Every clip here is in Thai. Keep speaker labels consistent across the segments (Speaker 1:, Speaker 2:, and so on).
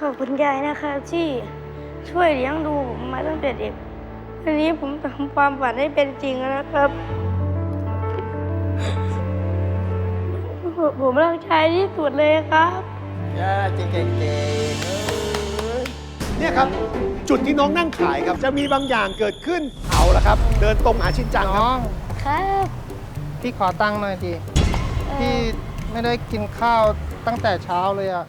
Speaker 1: อบคุณยายนะครับที่ช่วยเลี้ยงดูผมมาตั้งแต่เด็กวันนี้ผมทำความฝันให้เป็นจริงแล้วนะครับผมรักชายที่สุดเลยครับ
Speaker 2: เก่ง
Speaker 3: เนี่ยครับจุดที่น้องนั่งขายครับจะมีบางอย่างเกิดขึ้นเอาละครับ เดินตรงหาชินจังค
Speaker 4: น้
Speaker 3: รั
Speaker 4: อบ ง
Speaker 1: ครับ
Speaker 4: พี่ขอตังค์หน่อยดิพี่ไม่ได้กินข้าวตั้งแต่เช้าเลยอะ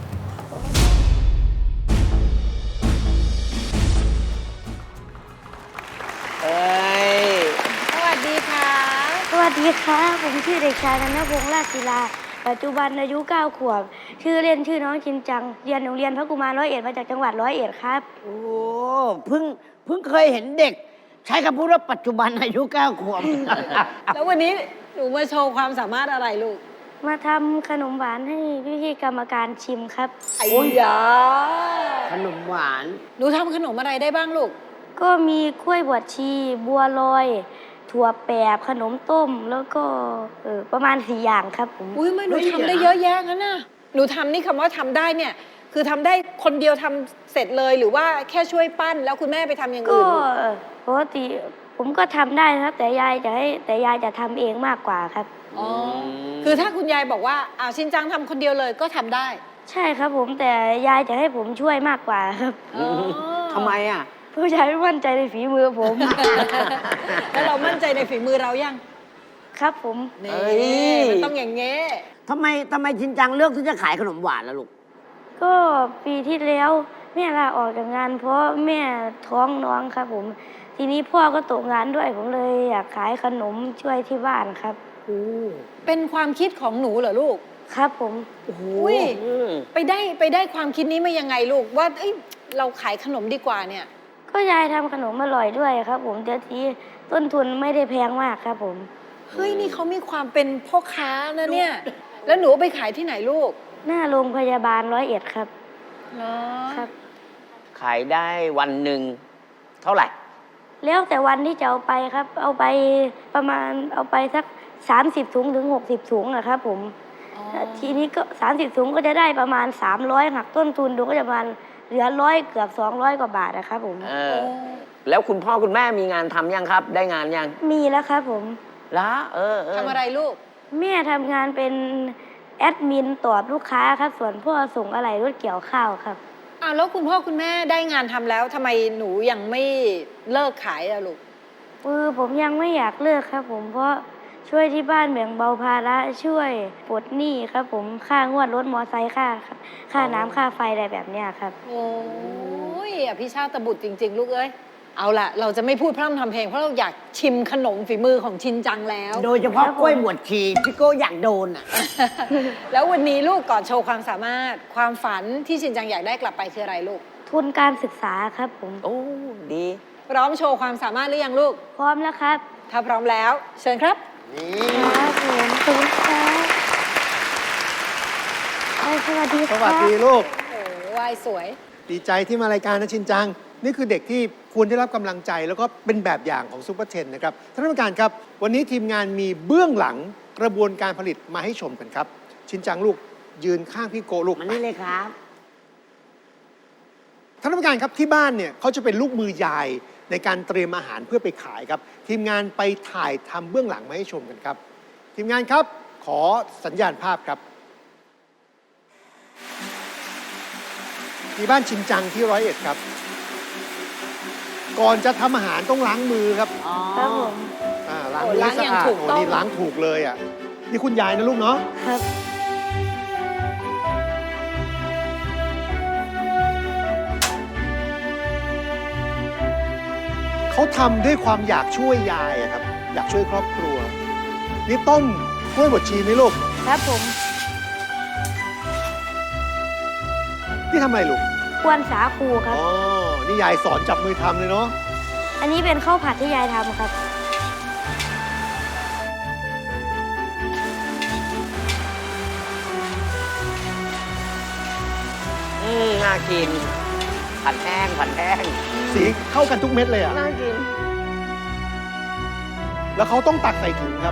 Speaker 2: เอ้ย
Speaker 5: สวัสดีค่ะ
Speaker 1: สวัสดีครับผมชื่อเด็กชายธนพงษ์ราชศิลาปัจจุบันอายุ9 ขวบชื่อเล่นชื่อน้องชินจังเรียนโรงเรียนพระกุมาร101มาจากจังหวัด101ครับ
Speaker 2: โอ้เพิ่งเคยเห็นเด็ก ใช้คำพูดว่าปัจจุบันอายุ9 ขวบ
Speaker 5: แล้ววันนี้หนูมาโชว์ความสามารถอะไรลูก
Speaker 1: มาทำขนมหวานให้พี่ๆกรรมการชิมครับ
Speaker 5: ไอ้ยา
Speaker 2: ขนมหวาน
Speaker 5: หนูทำขนมอะไรได้บ้างลูก
Speaker 1: ก็มีกล้วยบวชชีบัวลอย ถั่วแปบขนมต้มแล้วก็ประมาณ4 อย่างครับผม
Speaker 5: อุ้ยไม่หนู
Speaker 2: เฮ้ย
Speaker 5: ทำได้
Speaker 2: เดี๋
Speaker 5: เย
Speaker 2: ยวนะ
Speaker 5: อะแยะงั้นน่ะหนูทำนี่คำว่าทำได้เนี่ย คือทำได้คนเดียวทำเสร็จเลยหรือว่าแค่ช่วยปั้นแล้วคุณแม่ไปทำอย่าง
Speaker 1: ก็
Speaker 5: อื่นลูก
Speaker 1: ปกติผมก็ทำได้นะครับแต่ยายจะทำเองมากกว่าครับ
Speaker 5: อ๋อคือถ้าคุณยายบอกว่าชินจังทำคนเดียวเลยก็ทำได้
Speaker 1: ใช่ครับผมแต่ยายจะให้ผมช่วยมากกว่าครับ
Speaker 5: อ๋อ
Speaker 2: ทำไมอ่ะ
Speaker 1: ผู้ชายไม่มั่นใจในฝีมือผม
Speaker 5: แล้วเรามั่นใจในฝีมือเรายัง
Speaker 1: ครับผม
Speaker 5: นี่
Speaker 2: เอ้ย
Speaker 5: มันต้องอย่างเงี้ย
Speaker 2: ทำไมชินจังเลือกที่จะขายขนมหวานล่ะลูก
Speaker 1: ก็ปีที่แล้วแม่ลาออกจากงาน เพราะแม่ท้องน้องครับผม ทีนี้พ่อก็ตกงานด้วยผมเลยอยากขายขนมช่วยที่บ้านครับ
Speaker 5: เป็นความคิดของหนูเหรอลูก
Speaker 1: ครับผม
Speaker 5: อุ้ยไปได้ความคิดนี้มายังไงลูกว่าเอ้ยเราขายขนมดีกว่าเนี่ย
Speaker 1: ก็ยายทำขนมอร่อยด้วยครับผมเดี๋ยวทีต้นทุนไม่ได้แพงมากครับผม
Speaker 5: เฮ้ยนี่เขามีความเป็นพ่อค้านะเนี่ย แล้วหนูเอาไปขายที่ไหนลูก
Speaker 1: หน้าโรงพยาบาล101ครับ
Speaker 5: เนาะ
Speaker 1: ครับ
Speaker 6: ขายได้วันหนึ่งเท่าไหร่
Speaker 1: แล้วแต่วันที่จะเอาไปครับ เอาไปประมาณเอาไปสัก30 ถุงถึง60 ถุงนะครับผม
Speaker 5: อ๋อ
Speaker 1: ทีนี้ก็30 ถุงก็จะได้ประมาณ300หักต้นทุนดูก็จะประมาณเหลือ100เกือบ200 กว่าบาทนะครับผม
Speaker 6: เออ แล้วคุณพ่อคุณแม่มีงานทำยังครับ ได้งานยัง
Speaker 1: มีแล้วครับผม
Speaker 6: ละ
Speaker 5: ทำอะไรลูก
Speaker 1: แม่ทำงานเป็นแอดมินตอบลูกค้าครับ ส่วนพ่อส่งอะไหล่รถเกี่ยวข้าวครับ
Speaker 5: อ้าวแล้วคุณพ่อคุณแม่ได้งานทำแล้วทำไมหนูยังไม่เลิกขายอะลูก
Speaker 1: ผมยังไม่อยากเลิกครับผมเพราะช่วยที่บ้านแบ่งเบาภาระช่วยปลดหนี้ครับผมค่างวดรถมอไซค์ค่าน้ำค่าไฟอะไรแบบเนี้ยครับ
Speaker 5: โอ้ยอภิชาติบุตรจริง ๆ ลูกเอ้ย เอาล่ะ เราจะไม่พูดพร่ำทำเพลงเพราะเราอยากชิมขนมฝีมือของชินจังแล้ว
Speaker 2: โดยเฉพาะกล้วยบวชชีพี่โก้อยากโดนอ่ะ
Speaker 5: แล้ววันนี้ลูกก่อนโชว์ความสามารถความฝันที่ชินจังอยากได้กลับไปคืออะไรลูก
Speaker 1: ทุนการศึกษาครับผม
Speaker 6: โอ้ ดี
Speaker 5: พร้อมโชว์ความสามารถหรือยังลูก
Speaker 1: พร้อมแล้วครับ
Speaker 5: ถ้าพร้อมแล้ว เชิญครับ
Speaker 1: ครับผมขอบคุณครับสวัสดีค
Speaker 3: ส
Speaker 1: รับ
Speaker 3: วัสดีลูก
Speaker 5: โอ้วายสวย
Speaker 3: ดีใจที่มารายการนะชินจัง นี่คือเด็กที่ควรได้รับกำลังใจแล้วก็เป็นแบบอย่างของซุปเปอร์เทนนะครับท่านผู้การครับ วันนี้ทีมงานมีเบื้องหลังกระบวนการผลิตมาให้ชมกันครับ ชินจังลูกยืนข้างพี่โกลูก
Speaker 2: มันนี่เลยครับ
Speaker 3: ท่านผู้การครับที่บ้านเนี่ยเขาจะเป็นลูกมือยายในการเตรียมอาหารเพื่อไปขายครับ ทีมงานไปถ่ายทำเบื้องหลังมาให้ชมกันครับ ทีมงานครับขอสัญญาณภาพครับที่บ้านชินจังที่101ครับ ก่อนจะทำอาหารต้องล้างมือครับ
Speaker 1: ครับผม
Speaker 3: ล้างมือให้สะอาด
Speaker 5: โอ้ล้างอย่างถูกต้อง
Speaker 3: นี่ล้างถูกเลยอ่ะนี่คุณยายนะลูกเนาะ
Speaker 1: ครับ
Speaker 3: เขาทำด้วยความอยากช่วยยายอะครับ อยากช่วยครอบครัว นี่ต้มกล้วยบดชีไหมลูก
Speaker 1: ครับผม
Speaker 3: นี่ทำอะไรลูก
Speaker 1: ควรสาคูครับ
Speaker 3: อ๋อ นี่ยายสอนจับมือทำเลยเนาะ
Speaker 1: อันนี้เป็นข้าวผัดที่ยายทำครับ
Speaker 6: น่ากิน ผัดแห้ง ผัดแห้ง
Speaker 3: สีเข้ากันทุกเม็ดเลยอะ
Speaker 6: น่ากิน
Speaker 3: แล้วเขาต้องตักใส่ถุงครับ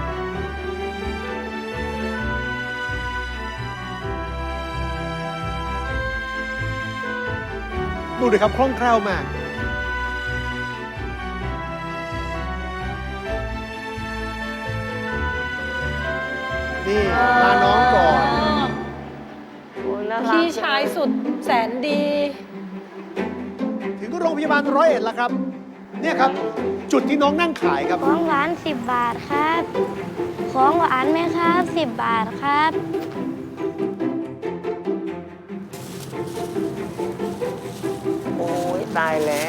Speaker 3: ดูดิครับคล่องแคล่วมากนี่พาน้องก่อน
Speaker 6: โอ้ยน่ารัก
Speaker 5: พี่ชายสุดแสนดี
Speaker 3: ถึงโรงพยาบาล101แล้วครับ เนี่ยครับ จุดที่น้องนั่งขายครับ
Speaker 1: ของหวาน10 บาทครับ ของหวานไหมครับ10 บาทครับ
Speaker 6: โอ้ยตายแล้ว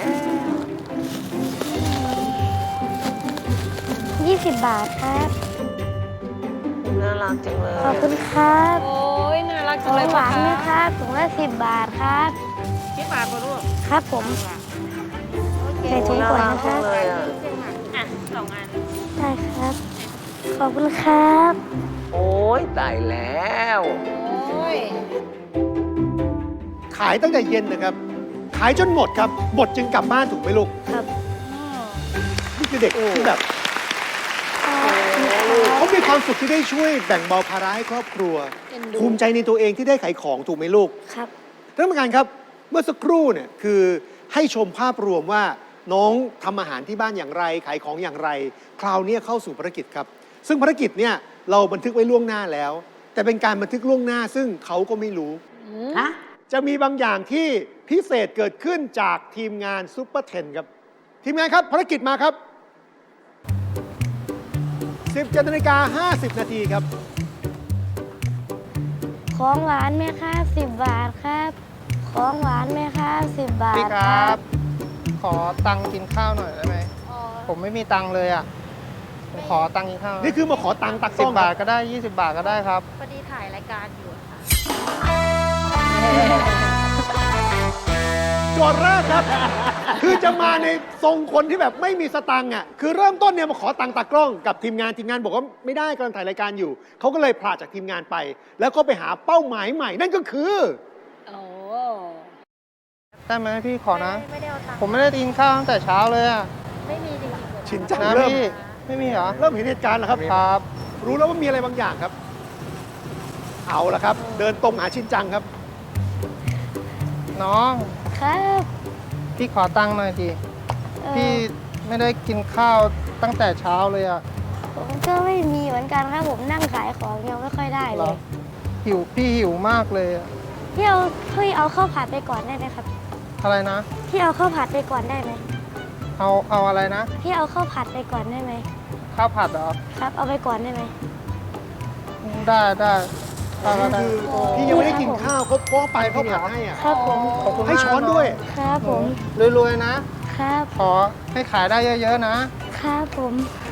Speaker 1: 20 บาทครับ
Speaker 6: น่ารักจังเลย
Speaker 1: ขอบคุณครับ
Speaker 5: โอ้ยน่ารัก
Speaker 1: ข
Speaker 5: จั
Speaker 1: อง ง
Speaker 5: เลย
Speaker 1: หวานไหม
Speaker 5: พ่อ
Speaker 1: ครับ ถุงละ10 บาทครับ
Speaker 7: 10 บาทป่ะลูก
Speaker 1: ครับผม ใส่ถุง
Speaker 6: น่า
Speaker 1: ก่อน
Speaker 6: รัก
Speaker 1: นะค
Speaker 6: จั
Speaker 1: รั
Speaker 6: ง
Speaker 1: บ
Speaker 6: เลยอ่ะ
Speaker 7: อ่ะ2 อัน
Speaker 1: ได้ครับ ขอบคุณครับ
Speaker 6: โอ้ยตายแล้ว
Speaker 5: โอ้ย
Speaker 3: ขายตั้งแต่เย็นนะครับ ขายจนหมดครับ หมดจึงกลับบ้านถูกไหมลูก
Speaker 1: ครับ
Speaker 3: นี่คือเด็กที่แบบเขามีความสุขที่ได้ช่วยแบ่งเบาภาระให้ครอบครัว
Speaker 5: เอ็นดู
Speaker 3: ภูมิใจในตัวเองที่ได้ขายของถูกไหมลูก
Speaker 1: ครับ
Speaker 3: ท่านผู้การครับ เมื่อสักครู่เนี่ยคือให้ชมภาพรวมว่าน้องทำอาหารที่บ้านอย่างไร ขายของอย่างไร คราวนี้เข้าสู่ภารกิจครับ ซึ่งภารกิจเนี่ยเราบันทึกไว้ล่วงหน้าแล้ว แต่เป็นการบันทึกล่วงหน้าซึ่งเขาก็ไม่รู้
Speaker 2: ฮะ
Speaker 3: จะมีบางอย่างที่พิเศษเกิดขึ้นจากทีมงานซุปเปอร์เทนครับ ทีมงานครับภารกิจมาครับ 17:50 นาทีครับ
Speaker 1: ของหวานไหมครับ10 บาทครับ ของหวานไหมครับ10 บาท
Speaker 4: พี่ครับ ขอตังค์กินข้าวหน่อยได้ไหม ผมไม่มีตังค์เลยอ่ะ ผมขอตังค์กินข้าว
Speaker 3: นี่คือมาขอตังค์ตัก
Speaker 4: สิ
Speaker 3: ต้
Speaker 4: บ
Speaker 3: อง
Speaker 4: บาทก็ได้ 20 บาทก็ได้ครับ
Speaker 7: พอดีถ่ายรายการอยู่ค่ะ
Speaker 3: โจทย์แรกครับ คือจะมาในทรงคนที่แบบไม่มีสตังค์อ่ะคือเริ่มต้นเนี่ยมาขอตังค์ตากล้องกับทีมงานบอกว่าไม่ได้กำลังถ่ายรายการอยู่เขาก็เลยพลาดจากทีมงานไป แล้วก็ไปหาเป้าหมายใหม่นั่นก็คือ
Speaker 5: โอ้
Speaker 4: ได้ไหมพี่ขอนะ
Speaker 7: ไม่ได้เอาตังค์
Speaker 4: ผมไม่ได้กินข้าวตั้งแต่เช้าเลยอ่ะ
Speaker 7: ไม่มีจริงๆ
Speaker 3: ชินจัง
Speaker 4: นะ
Speaker 3: เริ่ม
Speaker 4: พี่ ไม่มีเหรอ
Speaker 3: เริ่มเห็นเหตุการณ์แล้วครับ
Speaker 4: ครับ
Speaker 3: รู้แล้วว่ามีอะไรบางอย่างครับ เอาละครับ เดินตรงหาชินจังครับ
Speaker 4: น้อง
Speaker 1: ครับ
Speaker 4: พี่ขอตังค์หน่อยดิ พี่ไม่ได้กินข้าวตั้งแต่เช้าเลยอ่ะ
Speaker 1: ผมก็ไม่มีเหมือนกันครับ ผมนั่งขายของยังไม่ค่อยได้
Speaker 4: เห
Speaker 1: เล
Speaker 4: รอย พี่หิวมากเลยอะ
Speaker 1: พี่เอาข้าวผัดไปก่อนได้ไหมครับ
Speaker 4: อะไรนะ
Speaker 1: พี่เอาข้าวผัดไปก่อนได้ไหม
Speaker 4: เอาอะไรนะ
Speaker 1: พี่เอาข้าวผัดไปก่อนได้ไหม
Speaker 4: ข้าวผัดเหรอ
Speaker 1: ครับ เอาไปก่อนได้ไหม
Speaker 4: ได้ได้ก็ได้
Speaker 3: คือพี่ยังไม่ได้กินข้าวเขาป้อไปเขาผัดให้อ่ะ
Speaker 1: ครับผม
Speaker 4: ขอบคุณมาก
Speaker 3: ให้ช้อนด้วย
Speaker 1: ครับผม
Speaker 4: รวยๆนะ
Speaker 1: ครับ
Speaker 4: ขอให้ขายได้เยอะๆนะ
Speaker 1: ครับผม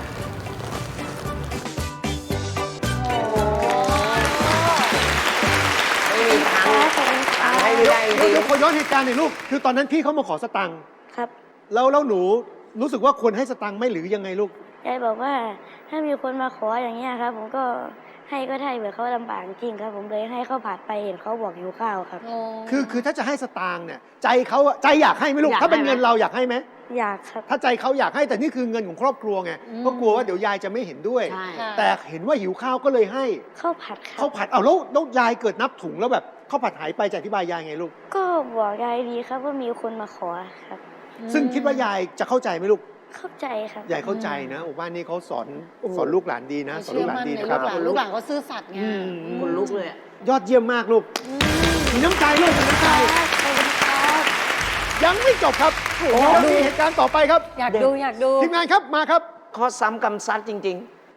Speaker 6: ไม่มีทาง
Speaker 1: ครับผม
Speaker 6: ตังค์ให้ไม่ได้จริง
Speaker 3: เดี๋ยวขอย้อนเหตุการณ์หน่อยลูก คือตอนนั้นพี่เขามาขอสตังค์
Speaker 1: ครับ
Speaker 3: แล้วหนูรู้สึกว่าควรให้สตังค์ไหมหรือยังไงลูก
Speaker 1: ยายบอกว่าถ้ามีคนมาขออย่างเงี้ยครับ ผมก็ให้ก็ได้เหมือนเขาลำบากจริงครับ ผมเลยให้ข้าวผัดไปเห็นเขาบอกหิวข้าวครับ
Speaker 5: โอ้
Speaker 3: คือถ้าจะให้สตางค์เนี่ยใจเขาอะใจอยากให้ไหมลูก
Speaker 2: อยาก
Speaker 3: ถ้าเป็น
Speaker 2: ให้ไหม
Speaker 3: เงินเราอยากให้ไหม
Speaker 1: อยากครับ
Speaker 3: ถ้าใจเขาอยากให้แต่นี่คือเงินของครอบครัวไงก็กลัวว่าเดี๋ยวยายจะไม่เห็นด้วย
Speaker 2: ใช่
Speaker 3: แต่เห็นว่าหิวข้าวก็เลยให้
Speaker 1: ข้าวผัดครั
Speaker 3: ข้าวผัดเอาแล้วยายเกิดนับถุงแล้วแบบข้าวผัดหายไปจะอธิบายยายไงลูก
Speaker 1: ก็บอกยายดีครับว่ามีคนมาขอครับ
Speaker 3: ซึ่งคิดว่ายายจะเข้าใจไหมลูก
Speaker 1: เข้าใจครับ
Speaker 3: ยายเข้าใจนะโอ้บ้านนี้เขาสอนลูกหลานดีนะสอน
Speaker 5: เชื่
Speaker 3: ลู
Speaker 5: อก
Speaker 3: หลาน
Speaker 5: มั่น
Speaker 3: ดี
Speaker 5: ใน
Speaker 3: นะครับ
Speaker 5: ลูกหลานเขาซื่อสัตย์ไง
Speaker 2: คนลุกเลยอะ
Speaker 3: ยอดเยี่ยมมากลูกมีน้ำใจลูกมีน้ำใจ
Speaker 1: ครับขอบคุณครับ
Speaker 3: ยังไม่จบครับยังมีเหตุการณ์ต่อไปครับ
Speaker 5: อยากดูอยากดู
Speaker 3: ทีมงานครับมาครับ
Speaker 6: ข้อซ้ำกำซัดจริง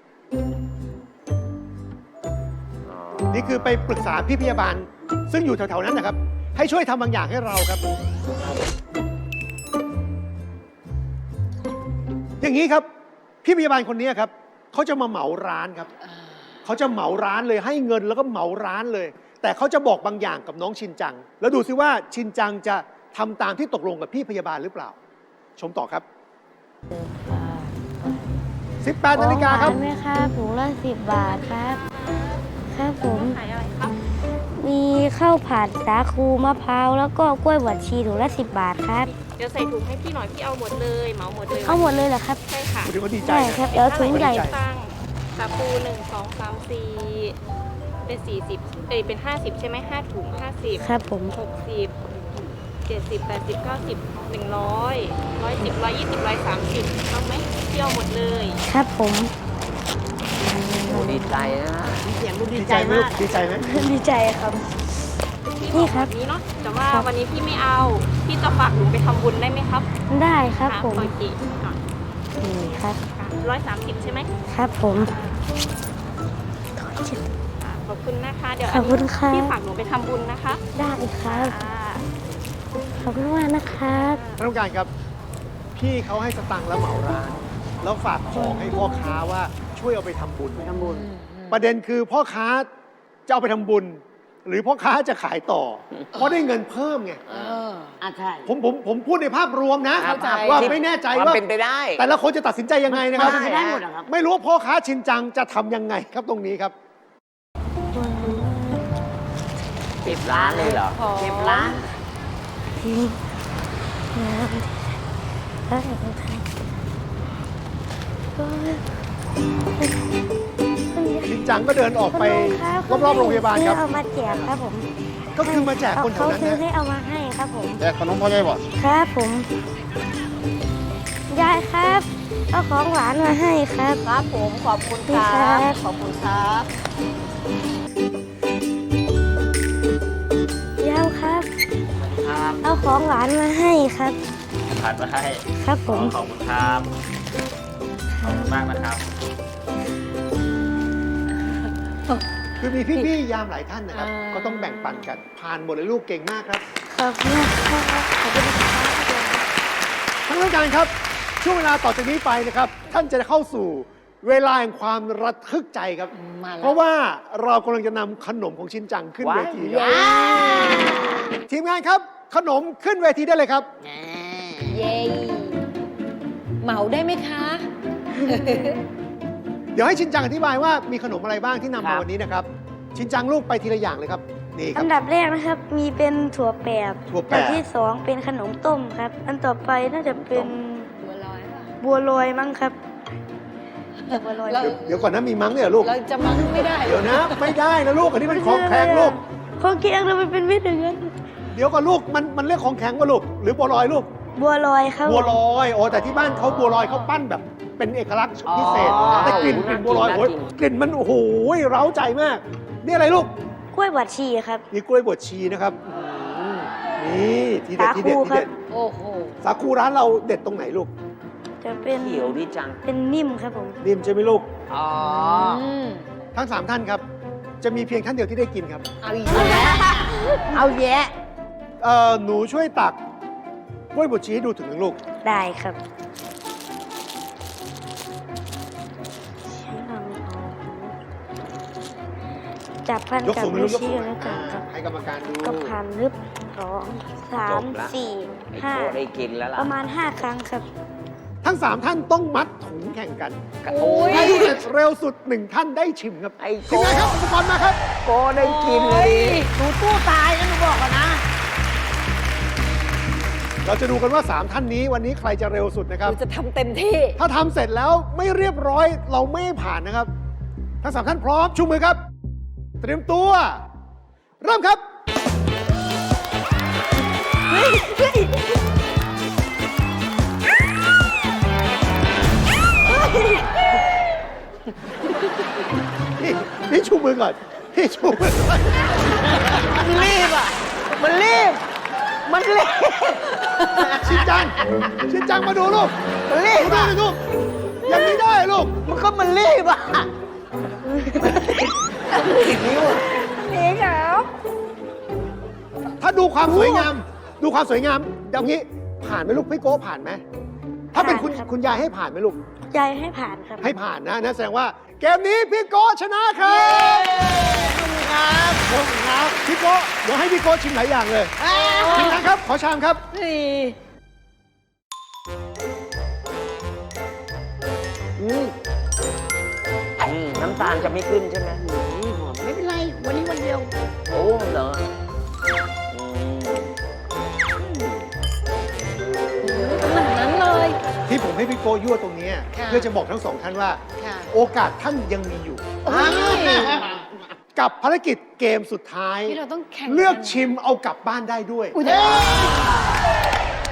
Speaker 3: นี่คือไปปรึกษาพี่พยาบาล ซึ่งอยู่แถวๆนั้นนะครับ ให้ช่วยทำบางอย่างให้เราครับ อย่างนี้ครับ พี่พยาบาลคนนี้ครับเขาจะมาเหมาร้านครับเขาจะเหมาร้านเลยให้เงินแล้วก็เหมาร้านเลย แต่เขาจะบอกบางอย่างกับน้องชินจัง แล้วดูซิว่าชินจังจะทำตามที่ตกลงกับพี่พยาบาลหรือเปล่า ชมต่อครับ 18 นาฬิกาครับ
Speaker 1: ของหวานไหมครับถุงละ10 บาทครับ ครับผม
Speaker 7: ขายอะไรครับ
Speaker 1: มีข้าวผัดสาคูมะพร้าวแล้วก็กล้วยบวชชีถุงละ10 บาทครับ
Speaker 7: เดี๋ยวใส่ถุงให้พี่หน่อยพี่เอาหมดเลยเหมาหมดเลย
Speaker 1: เอาหมดเลยเหรอครับ
Speaker 7: ใช่ค่ะ
Speaker 3: ดูว่าดีใจ
Speaker 1: ได้
Speaker 3: นะครับ
Speaker 1: เดี๋ยวถุงใหญ่
Speaker 7: ตั้งสาคู1 2 3 4เป็น40เป็น50ใช่ไหม5 ถุง50
Speaker 1: ครับผม
Speaker 7: 60 70 80 90 100 110 120 130ต้องไหมพี่เอาหมดเลย
Speaker 1: ครับผม
Speaker 6: โอ้ดีใจนะ
Speaker 2: เสียงดูดี
Speaker 3: ดี
Speaker 2: ใจ
Speaker 3: ใจไหม
Speaker 2: มา
Speaker 3: ลู
Speaker 2: ก
Speaker 3: กดีใจไหม
Speaker 1: ดีใจครับ
Speaker 7: พี่
Speaker 1: นี่
Speaker 7: บอก
Speaker 1: ครับ
Speaker 7: แบบนี้เนาะแต่ว่า
Speaker 1: ครับ
Speaker 7: วันนี้พี่ไม่เอา พี่จะฝากหนูไปทำบุญได้ไหมครับ
Speaker 1: ได้ครับผม
Speaker 7: โอเค
Speaker 1: นี่ครับ
Speaker 7: 130 ใช่ไหม
Speaker 1: ครับผม
Speaker 7: ขอบคุณนะคะ เดี๋ยว
Speaker 1: ขอบคุณครับ
Speaker 7: พี่ฝากหนูไปทำบุญนะคะ
Speaker 1: ได้ครับ
Speaker 7: อ่า
Speaker 1: ขอบคุณมากนะครับ
Speaker 3: ท่านผู้การครับ พี่เขาให้สตังค์แล้วเหมาร้าน แล้วฝากของให้พ่อค้าว่าช่วยเอาไปทำบุญ
Speaker 2: ทำบุญ
Speaker 3: ประเด็นคือพ่อค้าจะเอาไปทำบุญ หรือพ่อค้าจะขายต่อ เพราะได้เงินเพิ่มไง
Speaker 2: ใช่
Speaker 3: ผมพูดในภาพรวมนะ
Speaker 6: เข้าใจ
Speaker 3: ว่าไม่แน่ใจ
Speaker 6: ความ
Speaker 3: ว่า
Speaker 6: เป็นไปได้
Speaker 3: แต่ละคนจะตัดสินใจยังไงนะครับ
Speaker 2: มันได้หมดเหรอครับ
Speaker 3: ไม่รู้ว่าพ่อค้าชินจังจะทำยังไงครับตรงนี้ครับ
Speaker 6: 10 ล้านเลยเหรอ
Speaker 2: 10 ล้าน
Speaker 1: ทิ้งน้ำได้ครับก็
Speaker 3: ชินจังก็เดินออกไปรอบๆโรงพยาบาลครับ
Speaker 1: เอามาแจกครับผม
Speaker 3: ก็คือมาแจกคนแถวนั้น
Speaker 1: เขาซื้อ
Speaker 3: นะ
Speaker 1: ให้เอามาให้ครับผม
Speaker 3: แจกขนมพ่อใหญ่บ่
Speaker 1: ครับผม ยายครับเอาของหวานมาให้ครับ
Speaker 5: ครับผมขอบคุณค
Speaker 1: นี่
Speaker 5: รั
Speaker 1: ครับ บ
Speaker 5: ขอบคุณครับ
Speaker 1: ยาวครับ
Speaker 6: ครับ
Speaker 1: เอาของหวานมาให้ครับ
Speaker 6: ผ่านมาให้
Speaker 1: ครับผม
Speaker 6: ขอบคุณครับ ขอบคุณมากนะครับ
Speaker 3: คือมีพี่ๆยามหลายท่านนะครับ
Speaker 5: อ่า
Speaker 3: ก็ต้องแบ่งปันกัน ผ่านหมดเลยลูกเก่งมากครับ
Speaker 1: ขอบคุณครับขอบคุณครับ
Speaker 3: ท่านผู้การครับ ช่วงเวลาต่อจากนี้ไปนะครับ ท่านจะเข้าสู่เวลาแห่งความระทึกใจครับ
Speaker 5: มาแล้ว
Speaker 3: เพราะว่าเรากำลังจะนำขนมของชินจังขึ้นเวทีครับ ทีมงานครับ ขนมขึ้นเวทีได้เลยครับ
Speaker 5: เย้เหมาได้ไหมคะ
Speaker 3: เดี๋ยวให้ชินจังอธิบายว่ามีขนมอะไรบ้างที่นำ
Speaker 6: ครั
Speaker 3: มา
Speaker 6: บ
Speaker 3: วันนี้นะครับ ชินจังลูกไปทีละอย่างเลยครับ นี่ค
Speaker 1: อั
Speaker 3: รับ
Speaker 1: นดับแรกนะครับ มีเป็นถั่วแปบ
Speaker 3: ถั่วแปบ
Speaker 1: อันที่สองเป็นขนมต้มครับ อันต่อไปน่าจะเป็น
Speaker 5: บัวลอยป่ะ
Speaker 1: บัวลอยมั้งครับบัวลอย
Speaker 5: เรา
Speaker 3: เดี๋ยวก่อนนะมีมั้งเนี่ยเหรอลูก
Speaker 5: เราจะมั้งไม่ได้
Speaker 3: เดี๋ยวนะ ไม่ได้นะลูก อันนี้มันของแข็งลูก
Speaker 1: ของแข็งเราเป็นวิธีเงิน
Speaker 3: เดี๋ยวก่อนลูก มันเรียกของแข็งว่าลูก หรือบัวลอยลูก
Speaker 1: บัวลอยครับ
Speaker 3: บัวลอยโอ้แต่ที่บ้านเขาบัวลอยเขาปั้นแบบเป็นเอกลักษณ์พิเศษ
Speaker 6: อ๋อ
Speaker 3: แต่กลิ่น
Speaker 6: น่ากิน
Speaker 3: บัวลอย
Speaker 6: น่ากิน
Speaker 3: โอ้ยกลิ่นมันโอ้โหเร้าใจมาก นี่อะไรลูก
Speaker 1: กล้วยบวชชีครับ
Speaker 3: นี่กล้วยบวชชีนะครับนี่ทีเด็ดทีเด็ด
Speaker 1: สาคู
Speaker 3: ทีเด็ด
Speaker 1: ครับ
Speaker 5: โอ้โห
Speaker 3: สาคูร้านเราเด็ดตรงไหนลูก
Speaker 1: จะเป็น
Speaker 6: เขียวดีจัง
Speaker 1: เป็นนิ่มครับผม
Speaker 3: นิ่มใช่ไหมลูก
Speaker 6: อ๋อ
Speaker 3: ทั้ง 3 ท่านครับ จะมีเพียงท่านเดียวที่ได้กินครับ
Speaker 5: เอาอีกแล้ว
Speaker 2: เอาแยะ
Speaker 3: หนูช่วยตักกล้วยบวชชีให้ดูถึงหนึ่งลูก
Speaker 1: ได้ครับจับพัน
Speaker 3: ยก
Speaker 1: กับ
Speaker 3: สูงไหม
Speaker 1: นิ้
Speaker 3: ลู
Speaker 1: ว
Speaker 3: กยก
Speaker 1: ชี้
Speaker 3: สูง
Speaker 1: แล้ว
Speaker 3: ไหม
Speaker 1: กันครับ
Speaker 3: ให้กรรมการดู
Speaker 1: ก็พันลึบสองสา
Speaker 6: จ
Speaker 1: ม
Speaker 6: บละ
Speaker 1: สี่
Speaker 6: ไอ้
Speaker 1: ห้า
Speaker 6: โคได้กินแล้วล่ะ
Speaker 1: ประมาณ 5 ครั้งครับ
Speaker 3: ทั้ง 3 ท่านต้องมัดถุงแข่งกัน
Speaker 6: โอ้ย
Speaker 3: ใครที่เสร็จเร็วสุด 1 ท่านได้ชิมครับ
Speaker 6: ไอ้โก
Speaker 3: ทีมงานครับอุปกรณ์มาครับ
Speaker 6: โกได้กินเลยดิ
Speaker 2: หนูตู้ตายนะหนูบอกก่อนนะ
Speaker 3: เราจะดูกันว่า 3 ท่านนี้วันนี้ใครจะเร็วสุดนะครับ
Speaker 5: เราจะทำเต็มที่
Speaker 3: ถ้าทำเสร็จแล้วไม่เรียบร้อยเราไม่ให้ผ่านนะครับ ทั้ง 3 ท่านพร้อมชูมือครับ เตรียมตัว เริ่มครับ พี่ชูมือก่อน พี่ชูมือก่อน
Speaker 2: มันรีบอ่ะ มันรีบ มันรีบ
Speaker 3: ชินจัง ชินจังมาดูลูก
Speaker 2: มันรี
Speaker 3: ดู
Speaker 2: บ
Speaker 3: ได้
Speaker 2: อ่ะ
Speaker 3: เลยลูก ยังไม่ได้ลูก
Speaker 2: มันก็มันรีบอ่ะ
Speaker 5: นี่ครับ
Speaker 3: ถ้าดูความสวยงาม ดูความสวยงามอย่างนี้ผ่านไหมลูกพี่โก้ผ่านไหมถ้าเป็นคุณ
Speaker 1: ผ่านครับ
Speaker 3: คุณยายให้ผ่านไหมลูก
Speaker 1: ยายให้ผ่านครับ
Speaker 3: ให้ผ่านนะแสดงว่าเกมนี้พี่โก้ชนะครับครับผมครับพี่โก้เดี๋ยวให้พี่โก้ชิมหลายอย่างเลยชิมนะครับ ขอชามครับ
Speaker 5: นี่
Speaker 6: น้ำตาลจะไม่ขึ้นใช่ไหม
Speaker 2: ไม่เป็นไร วันนี้วันเดียว
Speaker 6: โอ้เหรออืม
Speaker 5: เหมือนนั้นเลย
Speaker 3: ที่ผมให้พี่โก้ยั่วตรงนี้
Speaker 5: ค่ะ
Speaker 3: เพื่อจะบอกทั้งสองท่านว่า
Speaker 5: ค่ะ
Speaker 3: โอกาสท่านยังมีอยู่ กับภารกิจเกมสุดท้าย
Speaker 5: ที่เราต้องแข่ง
Speaker 3: เลือกชิมเอากลับบ้านได้ด้วย
Speaker 5: อุ้ย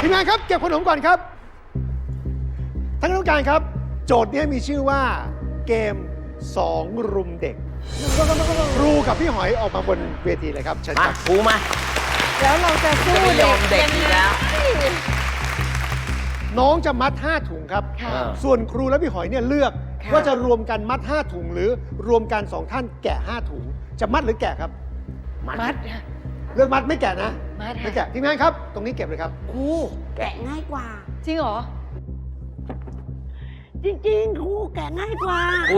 Speaker 3: ทีมงานครับเก็บขนมก่อนครับท่านคณะกรรมการครับ โจทย์นี้มีชื่อว่าเกม 2 รุมเด็กครูกับพี่หอยออกมาบนเวทีเลยครับเชิญ
Speaker 6: มา
Speaker 3: ครับ
Speaker 6: ครูมา
Speaker 5: แล้วเราจะสู้
Speaker 6: จะไม่ยอมเด็กอีกแล้ว
Speaker 3: น้องจะมัด 5 ถุงครับ
Speaker 6: ค่ะ
Speaker 3: ส่วนครูและพี่หอยเนี่ยเลือก
Speaker 5: ค่ะ
Speaker 3: ว่าจะรวมกันมัด 5 ถุง หรือรวมกัน 2 ท่านแกะ 5 ถุง จะมัดหรือแกะครับ
Speaker 5: มัดค่ะ
Speaker 3: เลือกมัดไม่แกะนะ
Speaker 5: มัดค่ะ
Speaker 3: ไม่แกะทีมงานครับ ตรงนี้เก็บเลยครับ
Speaker 2: ครูแกะง่ายกว่า
Speaker 5: จริงเหรอ
Speaker 2: จริงๆ ครูแกะง่ายกว่า
Speaker 6: คุณ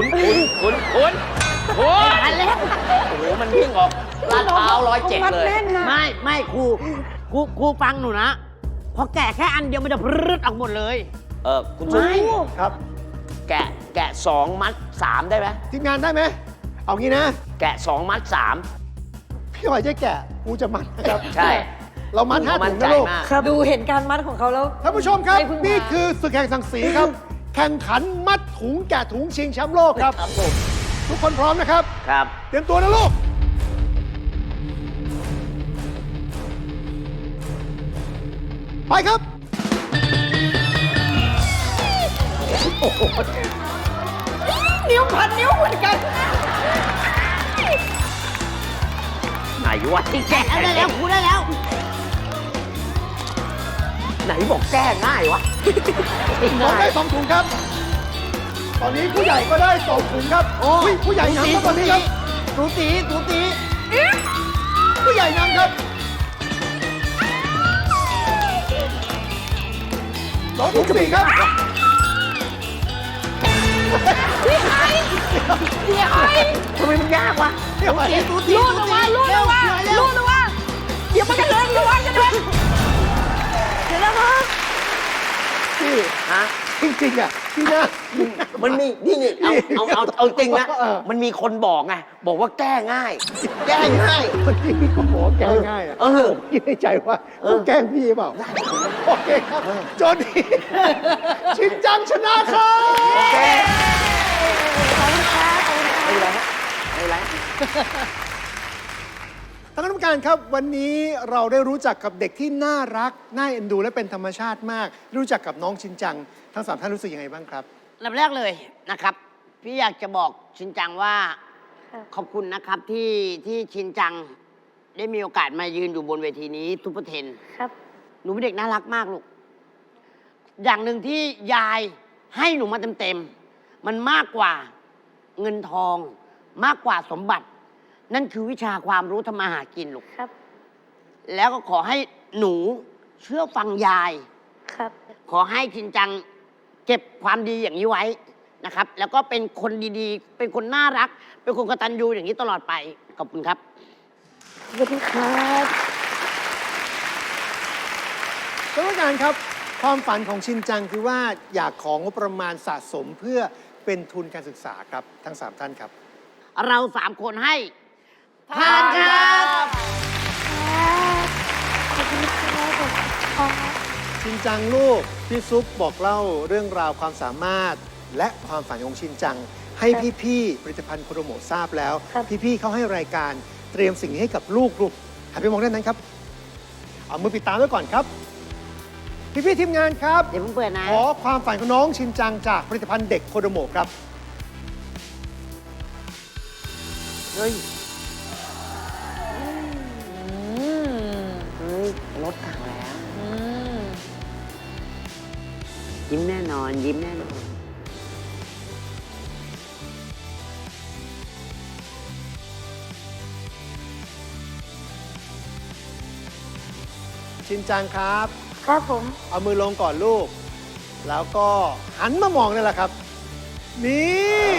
Speaker 6: ทันแล้ว โอ้โห มันวิ่งออกลาดพร้าว107 เลย
Speaker 2: ไม่ครูฟังหนูนะ พอแกะแค่อันเดียวมันจะพรึดออกหมดเลย
Speaker 6: คุณชุบ
Speaker 3: ครับ
Speaker 6: แกะ2 มัด 3 ได้ไหม
Speaker 3: ทีมงานได้ไหม เอางี้นะ
Speaker 6: แกะ 2 มัด
Speaker 3: พี่หอยจะแกะครูจะมัดนะครับ
Speaker 6: 3 ใช่
Speaker 3: เรามัด 5
Speaker 6: มั่
Speaker 3: ถุ
Speaker 6: น
Speaker 3: ง
Speaker 6: ใจ
Speaker 3: นะลูก
Speaker 6: มาก
Speaker 5: ดูเห็นการมัดของเขาแล้ว
Speaker 3: ท่านผู้ชมครับ
Speaker 5: ไม่พึ่งพา
Speaker 3: นี่คือศึกแห่งศักดิ์ศรีครับ แข่งขันมัดถุงแกะถุงชิงแชมป์โลกครับ
Speaker 6: ครับผม
Speaker 3: ทุกคนพร้อมนะครับ
Speaker 6: ครับ
Speaker 3: เตรียมตัวนะลูก ไปครับ
Speaker 5: นิ้วพันนิ้วเหมือนกัน
Speaker 6: ไหนวะที่แกะ
Speaker 2: ได้แล้วครูได้แล้ว
Speaker 6: ไหนบอกแก้ง่ายวะ
Speaker 3: น้องได้2 ถุงครับ ตอนนี้ผู้ใหญ่ก็ได้2 ถุงครับ
Speaker 2: โอ้
Speaker 3: ยผู้ใหญ่นำครับตอนนี้ครับ
Speaker 2: สูสี
Speaker 3: ผู้ใหญ่นำครับ2-4ครับ
Speaker 6: ทำไมมันยากวะ
Speaker 3: พี่หอย
Speaker 2: รูดออกมารูดออกมารูดออกมาเดี๋ยวมันกระเด็นระวังกระเด็นเดี๋ยวนะครับ
Speaker 3: พี่
Speaker 6: ฮะ
Speaker 3: จริงๆอ่ะพี่นะ
Speaker 6: มันมีนี่เอาจริงนะ
Speaker 3: เออ
Speaker 6: มันมีคนบอกไง บอกว่าแก้ง่าย แก้ง่าย
Speaker 3: เมื่อกี้พี่ก็บอกว่าแกล้งง่ายอ่ะ
Speaker 6: เออ
Speaker 3: ผมคิดในใจว่าต้องแกล้งพี่เปล่า โอเคครับโจทย์นี้ ชินจังชนะครับ
Speaker 6: โอเค
Speaker 1: ขอบคุณครับ
Speaker 6: ไม่เป็นไรฮะไม่เป็นไร
Speaker 3: ท่านคณะกรรมการครับ วันนี้เราได้รู้จักกับเด็กที่น่ารัก น่าเอ็นดู และเป็นธรรมชาติมาก รู้จักกับน้องชินจัง ทั้ง 3 ท่านรู้สึกยังไงบ้างครับ
Speaker 2: ลำแรกเลยนะครับ พี่อยากจะบอกชินจังว่า
Speaker 1: ครับ
Speaker 2: ขอบคุณนะครับที่ชินจัง ได้มีโอกาสมายืนอยู่บนเวทีนี้ทุปเปอร์เทน
Speaker 1: ครับ
Speaker 2: หนูเป็นเด็กน่ารักมากลูก อย่างหนึ่งที่ยายให้หนูมาเต็มๆ มันมากกว่าเงินทอง มากกว่าสมบัติ นั่นคือวิชาความรู้ทำมาหากินลูก
Speaker 1: ครับ
Speaker 2: แล้วก็ขอให้หนูเชื่อฟังยาย
Speaker 1: ครับ
Speaker 2: ขอให้ชินจังเก็บความดีอย่างนี้ไว้นะครับ แล้วก็เป็นคนดีๆ เป็นคนน่ารัก เป็นคนกตัญญูอย่างนี้ตลอดไป ขอบคุณครับ
Speaker 1: ขอบคุณครับ
Speaker 3: ท่านผู้การครับ ความฝันของชินจังคือว่าอยากของงบประมาณสะสมเพื่อเป็นทุนการศึกษาครับ ทั้ง 3 ท่านครับ
Speaker 2: เรา3 คนให้ผ่านครับ
Speaker 1: ขอบคุณครับขอบคุณครับ
Speaker 3: ชินจังลูก พี่ซุปบอกเล่าเรื่องราวความสามารถ และความฝันของชินจัง ให้พี่ๆผลิตภัณฑ์โคโดโมะทราบแล้ว
Speaker 1: ครับ
Speaker 3: พี่ๆเขาให้รายการเตรียมสิ่งนี้ให้กับลูกหันไปมองด้านนั้นครับ เอามือปิดตาไว้ก่อนครับ พี่ๆทีมงานครับ
Speaker 2: เดี๋ยวผมเปิดนะ
Speaker 3: ขอความฝันของน้องชินจังจากผลิตภัณฑ์เด็กโคโดโมะครับ
Speaker 6: เฮ้ย
Speaker 5: อืม
Speaker 6: เฮ้ยรถถังแล้ว
Speaker 5: อืม
Speaker 2: ยิ้มแน่นอน ยิ้มแน่นอน
Speaker 3: ชินจังครับ
Speaker 1: ครับผม
Speaker 3: เอามือลงก่อนลูก แล้วก็หันมามองนี่แหละครับ นี่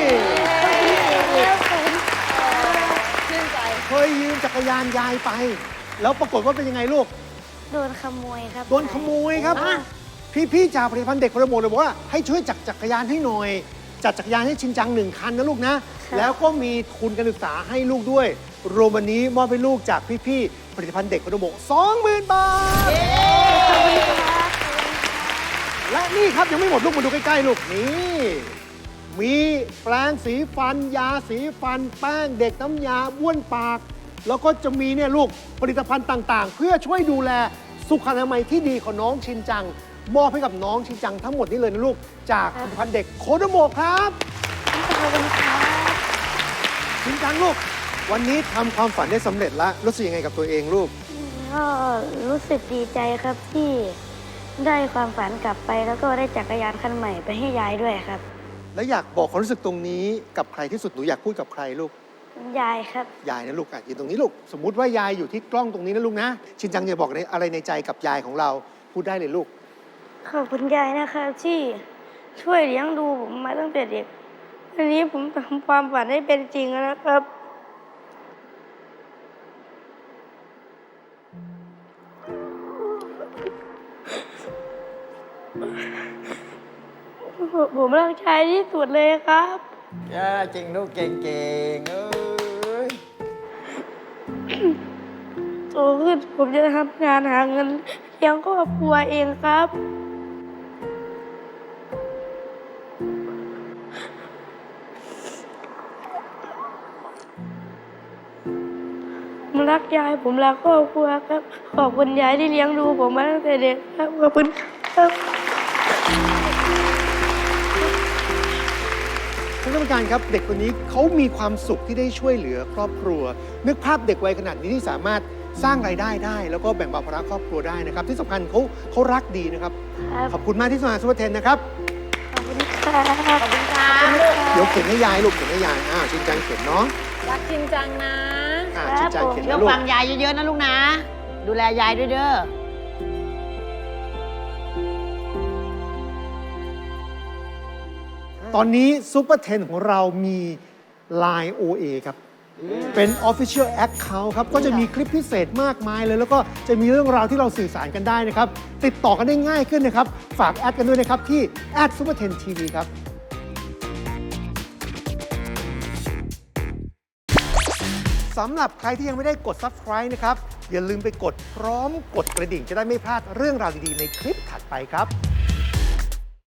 Speaker 5: ชื่นใจ
Speaker 3: เคยยืมจักรยานยายไป แล้วปรากฏว่าเป็นยังไงลูก
Speaker 1: โดนขโมยครับ
Speaker 3: โดนขโมยครับ พี่ๆจากผลิตภัณฑ์เด็กโคโดโมะเลยบอกว่าให้ช่วยจักรยานให้หน่อย จัดจักรยานให้ชินจัง1 คันนะลูกนะ แล้วก็มีทุนการศึกษาให้ลูกด้วย รวมวันนี้มอบให้ลูกจากพี่ๆผลิตภัณฑ์เด็กโคโดโมะ 20,000 บาท และนี่ครับยังไม่หมดลูกมาดูใกล้ ๆ ลูกนี่ มีแปรงสีฟัน ยาสีฟัน แป้งเด็กน้ำยาบ้วนปาก แล้วก็จะมีเนี่ยลูกผลิตภัณฑ์ต่างๆ เพื่อช่วยดูแลสุขอนามัยที่ดีของน้องชินจัง มอบให้กับน้องชินจังทั้งหมดนี้เลยนะลูก จากผลิตภัณฑ์เด็กโคโดโมะครับ
Speaker 1: ขอบคุณครับ
Speaker 3: ชินจังลูก วันนี้ทำความฝันได้สำเร็จแล้วรู้สึกยังไงกับตัวเองลูก
Speaker 1: ก็รู้สึกดีใจครับที่ได้ความฝันกลับไปแล้วก็ได้จักรยานคันใหม่ไปให้ยายด้วยครับ
Speaker 3: แล้วอยากบอกความรู้สึกตรงนี้กับใครที่สุดหนูอยากพูดกับใครลูก
Speaker 1: ยายครับ
Speaker 3: ยายนะลูกยืนตรงนี้ลูก สมมุติว่ายายอยู่ที่กล้องตรงนี้นะลูกนะ ชินจังจะบอกอะไรในใจกับยายของเราพูดได้เลยลูก
Speaker 1: ขอบคุณยายนะครับที่ช่วยเลี้ยงดูผมมาตั้งแต่เด็กวันนี้ผมทำความฝันให้เป็นจริงแล้วครับ ผมรักชายที่สุดเลยครับ
Speaker 6: จริงลูกเก่งๆเอ้ย
Speaker 1: โตขึ้นผมจะทำงานหาเงินเลี้ยงครอบครัวเองครับ ผมรักยายผมรักครอบครัวครับ ขอบคุณยายที่เลี้ยงดูผมมาตั้งแต่เด็กครับ ขอบคุณครับ
Speaker 3: ท่านกรรมการครับเด็กคนนี้เขามีความสุขที่ได้ช่วยเหลือครอบครัว นึกภาพเด็กวัยขนาดนี้ที่สามารถสร้างรายได้ได้ แล้วก็แบ่งเบาภาระครอบครัวได้นะครับ ที่สำคัญเขารักดีนะครับ ขอบคุณมากที่มาซูเปอร์เทนนะครับ
Speaker 1: ขอบคุณครับ
Speaker 2: ขอบคุณค่ะ
Speaker 3: เดี๋ยวเขียนให้ยายลูกเขียนให้ยายชินจังเขียนเนาะ
Speaker 5: รักชินจังนะ
Speaker 3: ชินจังเขียน
Speaker 2: เดี๋ย
Speaker 3: นะ
Speaker 2: ว
Speaker 3: ลูก
Speaker 2: ฟังยายเยอะๆนะลูกนะ ดูแลยายด้วยเด้อ
Speaker 3: ตอนนี้ซูเปอร์เทนของเรามี Line OA ครับ เป็น Official Account ครับ ก็จะมีคลิปพิเศษมากมายเลย แล้วก็จะมีเรื่องราวที่เราสื่อสารกันได้นะครับ ติดต่อกันได้ง่ายขึ้นนะครับ ฝากแอดกันด้วยนะครับ ที่ @superten.tv ครับ สำหรับใครที่ยังไม่ได้กด Subscribe นะครับ อย่าลืมไปกดพร้อมกดกระดิ่งจะได้ไม่พลาดเรื่องราวดีๆในคลิปถัดไปครับ